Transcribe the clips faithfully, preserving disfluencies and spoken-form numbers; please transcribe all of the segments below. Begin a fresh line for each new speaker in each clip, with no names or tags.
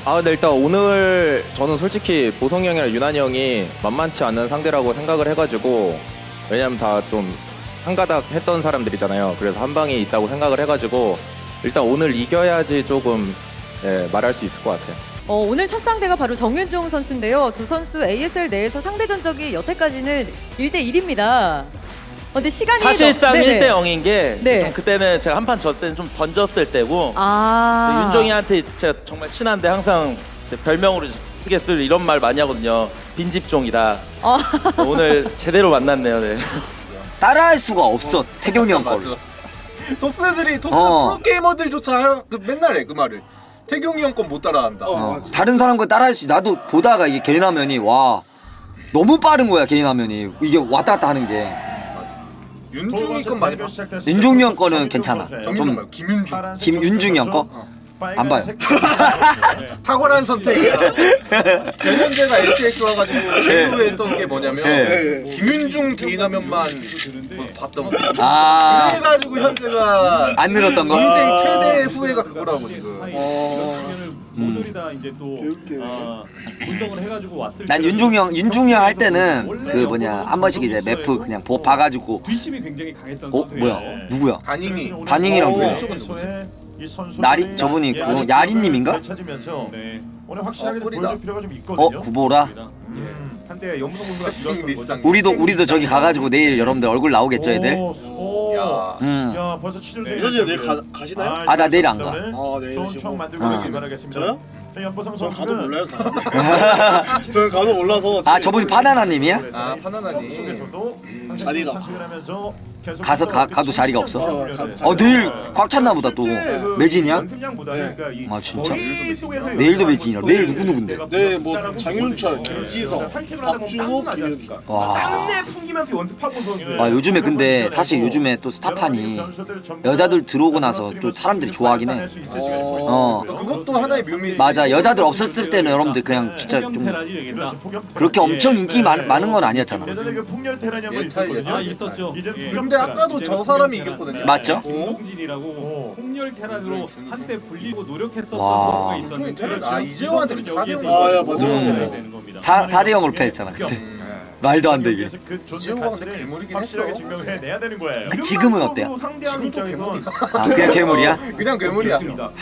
아 근데 일단 오늘 저는 솔직히 보성이 형이랑 유난히 형이 만만치 않은 상대라고 생각을 해가지고, 왜냐면 다 좀 한가닥 했던 사람들이잖아요. 그래서 한 방이 있다고 생각을 해가지고 일단 오늘 이겨야지 조금 예, 말할 수 있을 것 같아요.
어, 오늘 첫 상대가 바로 정윤종 선수인데요. 두 선수 에이에스엘 내에서 상대 전적이 여태까지는 일 대 일입니다. 어, 근데 시간이
사실상
너...
일 대 영인 게
네.
좀 그때는 제가 한 판 졌을 때는 좀 던졌을 때고
아.
윤종이한테 제가 정말 친한데 항상 별명으로 쓰게 쓸 이런 말 많이 하거든요. 빈집종이다.
어.
오늘 제대로 만났네요. 네.
따라할 수가 없어 태경이 형 걸로.
토스들이 토스
어.
프로게이머들조차 그 맨날 해 그 말을. 태경이 형 건 못 따라한다.
어. 다른 사람 거 따라할 수. 나도 보다가 이게 개인 화면이 와 너무 빠른 거야 개인 화면이. 이게 왔다 갔다 하는 게.
윤중이 건 많이 봐.
윤종이 형 거는 괜찮아.
정윤중
좀
말고 김윤중.
김윤중이 형 거? 안 봐요.
탁월한 선택이야. 변현재가 에스엑스 와가지고 최후에 했던 게 뭐냐면
네.
김윤중 개인 화면만 봤던 거.
아.
그래가지고 현재가
안 늘었던 거?
인생 최대 후회가 그거라고 지금.
모조리 다 이제 또 아, 분석을 해가지고 왔을
난
때
윤종이 형, 윤종이 형 할 때는 그 뭐냐 한 번씩 이제 매프 그냥 보 봐가지고
뒷심이 굉장히 강했던
어 뭐야 누구야?
다닝이.
다닝이랑
어,
누구야?
이쪽은 누구지?
나리 저분이 그거 야리님인가?
찾으면서 오늘 확실하게
어, 꿀이다.
보여줄 필요가 좀 있거든요.
어 구보라?
음, 한때 영동 선수가 이뤘던 거죠.
우리도 우리도 저기 가가지고 내일 여러분들 얼굴 나오겠죠 애들?
오, 오.
야.
음.
야 벌써 치졸
이선재 내일 가, 가시나요?
아, 나 내일 안 가.
아, 내일
좋은
오시고.
추억 만들고
어.
가시기 바라겠습니다.
저요?
자, 연보성
전
선수는
가도 몰라요 사람. 저는 가도 몰라서
아 저분이 파나나님이야?
아, 파나나니.
속에서도
자리가
상승을 하면서 계속
가서 가- 가도 자리가 없어?
어, 가도
어 내일 꽉 찼나 보다 또. 매진이야? 아, 진짜? 내일도 매진이야. 내일 누구 누군데?
네, 뭐 장윤철, 김지성, 박준호, 김윤중.
와.
땀내 풍기면서 연습하고 선수.
아 요즘에 근데 사실 요즘에 또 스타판이 여자들 들어오고 나서 또 사람들이 좋아하긴 해. 어.
그것도 하나의 묘미.
맞아 여자들 없었을 때는 여러분들 그냥 진짜 좀 그렇게 엄청 인기 많, 많은 건 아니었잖아.
예전에 그 폭렬 테란이 한번
예탈,
있었거든요.
예탈,
있었죠. 이제
근데 아까도 저 사람이 이겼거든요.
맞죠?
김동진이라고 폭렬 테란으로 한때 불리고 노력했었던
와.
선수가 있었는데
테란, 아, 이재호한테 그때 사 대 영
아, 야, 맞아,
맞아.
되는 겁니다.
사 대 영으로 패했잖아 그때. 말도 안 되게.
그 존재
이재호가 근데
가치를
괴물이긴
확실하게
했어.
증명해내야 되는 거예요.
아, 지금은 어때요?
상대하는 입장에서
아 그냥 괴물이야?
그냥 괴물이야.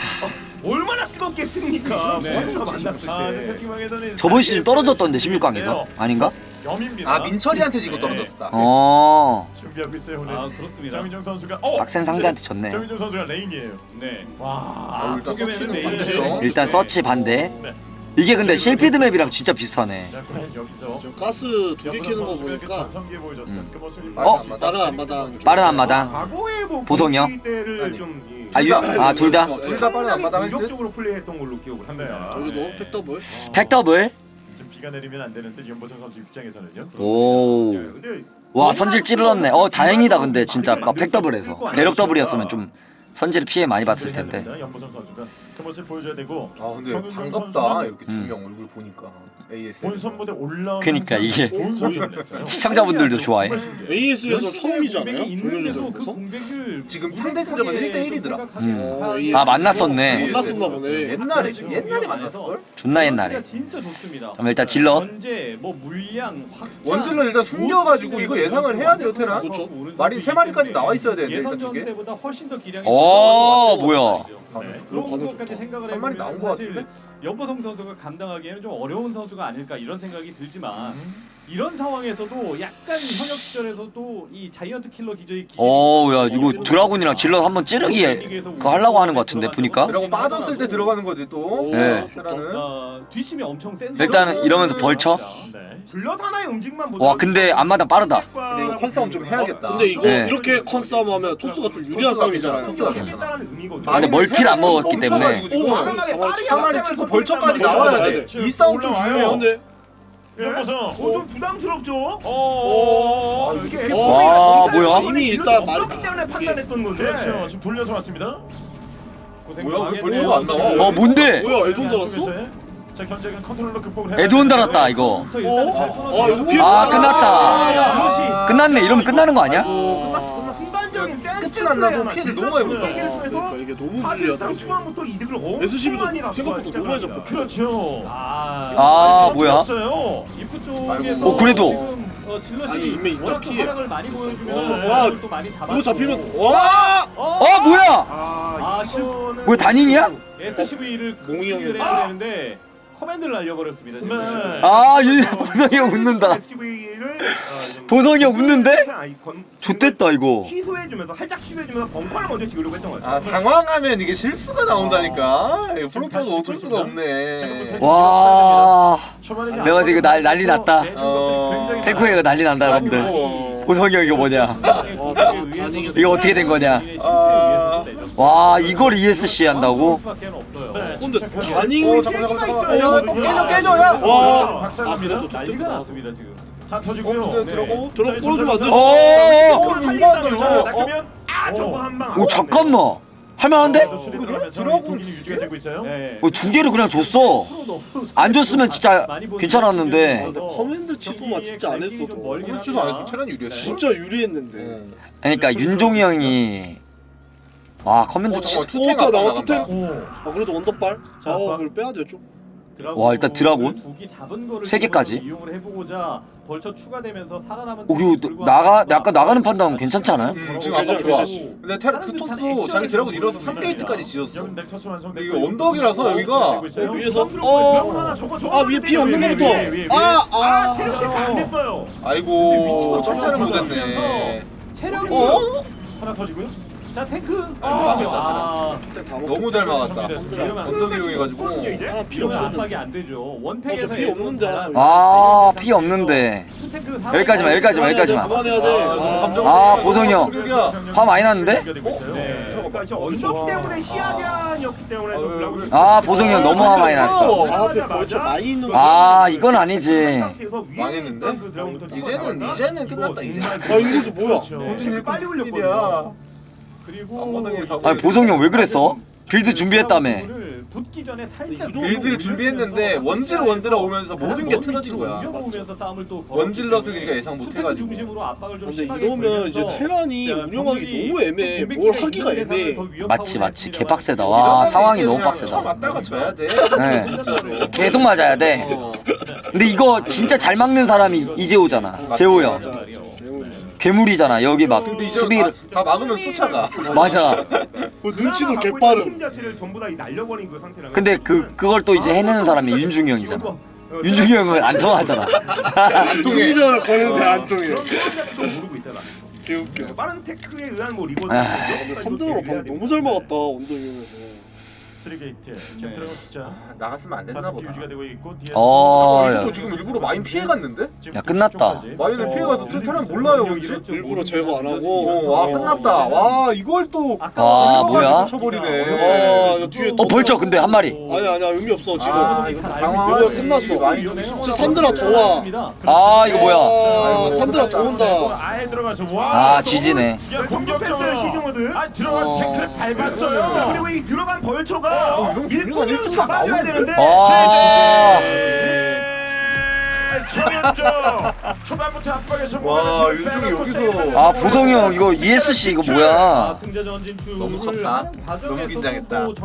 얼마나 뜨겁겠습니까?
네.
먼저 만났을
아,
때. 세팅왕에서는
저번 시즌 떨어졌던데 십육 강에서 아닌가?
염입니다.
아 민철이한테 지고 떨어졌다.
어.
준비하고 있어요 오늘.
아 그렇습니다.
장민정 선수가 어.
빡센 상대한테 졌네.
장민정 선수가 레인이에요.
네.
와.
아, 일단
포기맨은
서치는
내일
반대죠.
일단 서치 반대.
네.
이게 근데 실피드 맵이랑 진짜 비슷하네.
자, 과연 여기서
저 가스 두 개 키는 거 보니까
전성기에 보여줬던
음.
그 모습이
어?
빠른 앞마당.
빠른 앞마당.
과거의 뭐
보성이요?
분위기 때를
아니.
좀 이-
아, 유, 아 둘 다?
둘 다 빠른 앞마당 할 듯?
공격적으로 플레이했던 걸로 기억을 합니다.
여기도 팩더블.
팩더블?
지금 비가 내리면 안 되는데 연보성 선수 입장에서는요.
오.
예, 근데
와 선질 찌르렀네. 어 다행이다 근데 진짜 막 팩더블해서 내력 더블이었으면 좀 선질을 피해 많이 봤을 텐데.
연보성 선수가 그 모습 보여줘야 되고.
아 근데
정윤정
반갑다
선수는
이렇게 두
음.
명 얼굴 보니까. 에이에스.
본선 무대 올라오는
그니까 이게
좋은 소리를 냈어요.
시청자분들도 좋아해.
에이에스에서 처음이잖아요.
공백이 있는데도
정윤준
그
선수.
공백을
지금 상대 근접은 일 대 일이더라.
음.
어, 에이에스.
아 만났었네.
만났었나 보네.
옛날에 옛날에 만났을 걸?
존나 옛날에.
진짜 좋습니다.
그럼 일단 질럿.
현재 뭐 물량 확장
원질러 일단 숨겨가지고 이거 예상을 해야 돼요 테란.
그렇죠.
마린 세 마리까지 나와 있어야 되는데 일단 두
예선전
개.
때보다 훨씬 더 기량이
오 뭐야?
네.
그럼
그런
가도
것까지
좋다.
생각을
한 마리
해보면
나온 것
사실
같은데?
연보성 선수가 감당하기에는 좀 어려운 선수가 아닐까 이런 생각이 들지만
음.
이런 상황에서도 약간 현역 시절에서도 이 자이언트 킬러 기저의 기질이
어야 이거 드라군이랑 질럿 한번 찌르기 그거 하려고 하는 것 같은데 보니까.
그리고 빠졌을 때 들어가는 거지 또.
네.
테란은.
어, 뒷심이 엄청 센
일단은 이러면서 벌쳐.
네. 질럿 하나의 움직임만
와 근데 앞마당 빠르다.
근데 이거 컨싸움 좀 해야겠다.
근데 이거
네.
이렇게 컨싸움 하면 토스가 좀 유리한 싸움이잖아요.
토스가
그렇죠?
괜찮아.
따라는 의미거든요.
근데 멀티를 안 먹었기 때문에.
멈춰가지고
오,
지금
사마리
빠르게 한 마리 찍고 벌쳐까지
벌쳐
나와야
가야
돼.
돼.
이 싸움 좀
올라와요.
중요해요.
근데
연보성. 어, 좀 부담스럽죠?
어,
어, 이게
와, 뭐야?
이미 일단 말이
없기 때문에 판단했던 거죠. 그렇죠. 지금 돌려서 왔습니다.
고생
뭐야, 왜
많이
벌써가 안
했네요.
나와?
어 뭔데?
뭐야 에돈 달았어?
자, 견제는 컨트롤러 극복을 해.
에드온 달았다 이거.
일단 잘
어?
끊어줘요.
아 이거 피해.
아 끝났다. 끝났네 이러면 끝나는 거 아니야?
끝났어 끝났어. 순간적인 센스. 죽진 않나도 피해를 너무 많이 본다.
그러니까 이게 너무 불리하다.
초반부터 이득을 엄청
에스씨비도
많이 났어요,
생각보다
진짜
너무 많이
그러니까.
잡고.
그렇죠.
아, 뭐야?
졌어요.
입구
아이고.
쪽에서
어, 그래도.
지금 어, 질럿이
아니, 이미 이따
워낙 또
피해.
활약을 많이 보여주면
어, 와,
또 많이 잡았고.
이거 잡히면 와!
어 뭐야?
아,
아, 실
뭐야 단인이야?
에스씨브이를
몽이 형이
해야 되는데 커맨드를 날려버렸습니다. 지금.
네.
아 유, 보성이 형 웃는다.
에스씨브이를
보성이 형 웃는데?
아이콘
좋댔다 이거.
취소해주면서 살짝 취소해주면서 벙커를 먼저 지으려고 했던 거죠.
아 당황하면 이게 실수가 나온다니까. 이거 플로퍼가 어쩔 수가 없네.
와
초반에 이제
내가 지금 날- 난리 났다.
내준 것들이 굉장히
탱크가 난리 난다 여러분들.
아이고.
보성이 형 이거 뭐냐? 이거 어떻게 된 거냐?
아.
와 이걸 이에스씨 한다고?
근데
어
다닝
잠깐 잠깐 잠깐. 야 깨져 깨져 야.
와!
박살납니다.
아, 그래도
난리가
좋댔다.
났습니다 지금. 다
어,
터지고요.
근데 들어가고?
저런 거 끌어주면 안 되지.
어.
어 이거 안
자,
돼.
낚으면 아 저거 한방
오 잠깐만. 할만한데?
드라군 유지가 되고 있어요.
네.
어, 두 개를 그냥 줬어. 안 줬으면 진짜 괜찮았는데.
커맨드 취소만 진짜 안 했어도
그렇지도 않았으면 테란 유리했어.
진짜 유리했는데.
그러니까 윤종이 형이 와 커맨드
어
치.
잠깐 투탱
오빠
아까
나와
나간다.
투탱. 아 그래도 원더발.
자,
아
봐.
그걸 빼야 돼 좀.
와, 일단 드라곤?
두기 잡은 거를
세 개까지?
이용을 해보고자 벌쳐 추가되면서 살아남은
어, 이거 나가 약간 나가는 판단 괜찮지 않아요?
음, 지금 아까 좋아.
괜찮지.
근데 테라 투토스도 자기 드라군 잃어서 삼 게이트까지 지었어.
여기 넥서스 완성.
근데 이거 언덕이라서 여기가
어, 위에서 어. 아 위에 피 없는 거부터. 아
아
아.
체력 체크 안 됐어요.
아이고 점차를 못했네.
체력이
어?
하나 터지고요. 자 탱크.
아,
아,
다
너무 잘 막았다.
이러면 안
언덕 이용해가지고.
하나 피
이러면
없는데.
압박이 안 되죠. 원팩에서
어, 저피 없는데 하나.
아 피 없는데.
투탱크
여기까지만 여기까지만 여기까지만.
그만해야 돼.
아, 감정.
아, 보성이 형.
여기야.
화 많이 났는데?
네.
그러니까 이제 언덕 때문에 시야견이었기 때문에 좀 드라군을
아 보성이 형 너무 화 많이 났어.
아 앞에 벌써 많이 있는 거.
아 이건 아니지.
망했는데? 이제는 이제는 끝났다 이제.
아 인구수 뭐야?
본진이
빨리
무슨
올렸거든요.
일이야.
그리고
앞마당에 다
아니 보성이 형 왜 그랬어? 빌드 준비했다며.
붙기 전에 살짝
빌드를 준비했는데 원질 원드라 오면서 모든 게 틀어진 거야.
보면서 싸움을 또
원질럿을 우리가 예상 못 해가지고.
중심으로 압박을 좀
근데
심하게
이러면 이제
걸면서
테란이
자,
운영하기
병력이
너무 애매해. 뭘
공백기가
하기가
있는
애매해.
대상을 더 위협하고
맞지 맞지
있습니다만
개빡세다. 와 상황이 너무
그냥
빡세다.
쳐 맞다가 져야 돼.
네. 계속 맞아야 돼.
어.
근데 이거 진짜 잘 막는 사람이 이재호잖아. 재호 형.
맞아 맞아. 대우리.
괴물이잖아. 여기 막
근데 이제
수비
다, 다 막으면 쫓아가.
맞아.
어, 눈치도 개빠름.
힘 자체를 전부 다 날려버린 그 상태라.
근데 그 그걸 또 이제 해내는 사람이 윤중이 형이잖아. 윤중이 형은 안 통하잖아.
승리전을 거는데 안 통해.
그런 거 모르고 있잖아.
개웃겨.
빠른 테크에 의한 뭐 리버스.
아,
근데 삼 등으로 방 너무 잘 막았다. 언덕 이용해서.
쓰리 게이트. 지금
네.
들어간 숫자
아, 나갔으면 안 됐나
다섯 개
보다.
유지가 되고 있고 뒤에.
어, 야.
이거 지금 일부러 마인 피해 갔는데?
야, 끝났다.
마인을 피해 가서 테란 몰라요 뭔지.
일부러 제거 안
어,
하고.
와 끝났다. 와 이걸 또
아, 뭐야?
쳐버리네.
와, 야, 뒤에
어 벌써 근데 한 마리.
아니 아니야 의미 없어 지금.
아 이거 당황.
이거 끝났어. 진짜 삼드라 더 와.
아 이거 뭐야?
아, 삼드라 더 온다.
아예 들어가서 와.
아 지지네.
야 공격적으로 시즌모드. 아 들어가서
어.
탱크를 밟았어요. 그리고 이 들어간 벌초가
어, 이런 기류가
일꾼을
일찍
잡아줘야
나오는데?
되는데.
아.
최면조 초반부터 압박에
와,
성공하면서
윤중이 여기서-
빼놓고
아 보성이 형 이거 이에스씨 이거 뭐야?
승자 전진
너무
출을
컸다.
하는
너무
과정에서도
긴장했다.
또